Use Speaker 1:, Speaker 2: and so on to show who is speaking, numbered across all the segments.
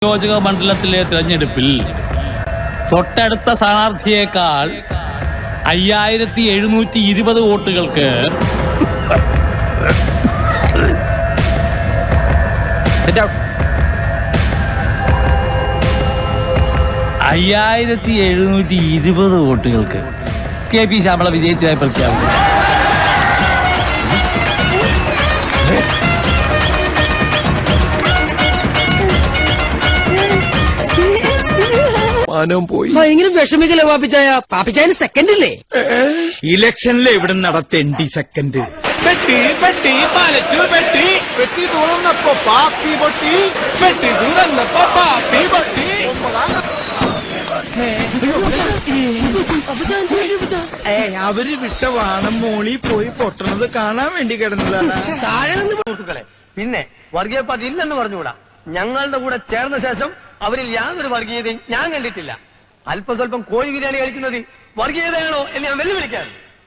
Speaker 1: നിയോജക മണ്ഡലത്തിലെ തിരഞ്ഞെടുപ്പിൽ തൊട്ടടുത്ത സ്ഥാനാർത്ഥിയേക്കാൾ 5720 വോട്ടുകൾക്ക് 5720 വോട്ടുകൾക്ക് കെ പി ശ്യാമള വിജയിച്ചതായി പ്രഖ്യാപിച്ചു.
Speaker 2: ഭയങ്കര വിഷമിക്കല്ലേ പാപ്പിച്ചായ? പാപ്പിച്ചായന് സെക്കൻഡ് ഇല്ലേ?
Speaker 3: ഇലക്ഷനിൽ എവിടെ നടത്തേണ്ടി സെക്കൻഡ്? പെട്ടി പെട്ടി പാലറ്റു പെട്ടി പെട്ടി തുറന്നപ്പോ പാപ്പി പൊട്ടി പെട്ടി തുറന്നപ്പോ പാപ്പി പൊട്ടി. അവര് വിട്ട വാണം മോളി പോയി പൊട്ടണത് കാണാൻ വേണ്ടി കിടന്നതാണ്.
Speaker 2: താഴെ നിന്ന്
Speaker 4: സുഹൃത്തുക്കളെ, പിന്നെ വർഗീയ പാർട്ടി ഇല്ലെന്ന് പറഞ്ഞുകൂടാ. ഞങ്ങളുടെ കൂടെ ചേർന്ന ശേഷം അവരിൽ യാതൊരു വർഗീയതയും ഞാൻ കണ്ടിട്ടില്ല. അല്പം സ്വല്പം കോഴി ബിരിയാണി കഴിക്കുന്നത് വർഗീയതയാണോ എന്ന് ഞാൻ വെല്ലുവിളിക്കാൻ.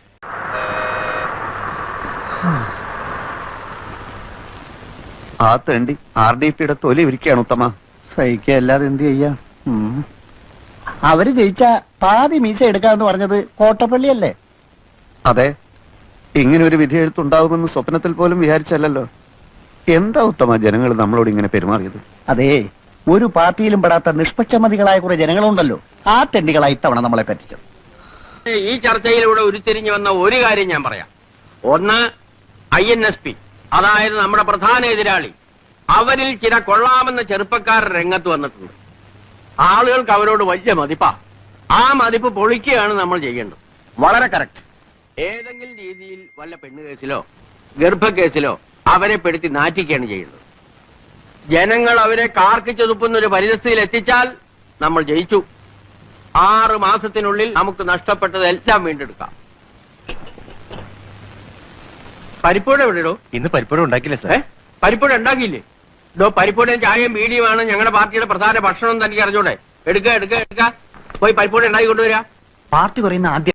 Speaker 5: ആ തേണ്ടി RDPയുടെ തൊലി ഇരിക്കുകയാണ് ഉത്തമ.
Speaker 6: സഹിക്കുക അല്ലാതെ എന്ത് ചെയ്യാ? അവര് ജയിച്ച പാതി മീശ എടുക്കാന്ന് പറഞ്ഞത് കോട്ടപ്പള്ളിയല്ലേ?
Speaker 5: അതെ, ഇങ്ങനെ ഒരു വിധി എഴുത്തുണ്ടാകുമെന്ന് സ്വപ്നത്തിൽ പോലും വിചാരിച്ചല്ലോ. എന്താ ഉത്തമ ജനങ്ങൾ നമ്മളോട് ഇങ്ങനെ പെരുമാറിയത്?
Speaker 6: അതെ, ഒരു പാർട്ടിയിലും പെടാത്ത നിഷ്പക്ഷമതികളായ കുറെ ജനങ്ങളുണ്ടല്ലോ, ആ തെണ്ടികളായി ഇത്തവണ നമ്മളെ പറ്റിച്ചത്.
Speaker 4: ഈ ചർച്ചയിലൂടെ ഉരുത്തിരിഞ്ഞു വന്ന ഒരു കാര്യം ഞാൻ പറയാം. ഒന്ന്, INSP, അതായത് നമ്മുടെ പ്രധാന എതിരാളി. അവരിൽ ചില കൊള്ളാമെന്ന ചെറുപ്പക്കാർ രംഗത്ത് വന്നിട്ടുണ്ട്. ആളുകൾക്ക് അവരോട് വലിയ മതിപ്പാ. ആ മതിപ്പ് പൊളിക്കുകയാണ് നമ്മൾ ചെയ്യേണ്ടത്.
Speaker 5: വളരെ കറക്റ്റ്.
Speaker 4: ഏതെങ്കിലും രീതിയിൽ വല്ല പെണ്ണുകേസിലോ ഗർഭക്കേസിലോ അവരെ പെടുത്തി നാറ്റിക്കുകയാണ് ചെയ്യുന്നത്. ജനങ്ങൾ അവരെ കാർക്കിച്ചൊതുപ്പുന്ന ഒരു പരിസ്ഥിതിയിൽ എത്തിച്ചാൽ നമ്മൾ ജയിച്ചു. 6 മാസത്തിനുള്ളിൽ നമുക്ക് നഷ്ടപ്പെട്ടതെല്ലാം വീണ്ടെടുക്കാം. പരിപ്പൂട എവിടെയോ?
Speaker 7: ഇന്ന് പരിപ്പൂട ഉണ്ടാക്കില്ല സാർ.
Speaker 4: പരിപ്പൂട ഉണ്ടാക്കിയില്ലേ? പരിപ്പൂടയും ചായയും ബീഡിയുമാണ് ഞങ്ങളുടെ പാർട്ടിയുടെ പ്രധാന ഭക്ഷണം. തനിക്ക് അറിഞ്ഞൂടെ? എടുക്ക പോയി പരിപ്പൂട ഉണ്ടാക്കി കൊണ്ടുവരാ.
Speaker 6: പാർട്ടി പറയുന്ന ആദ്യം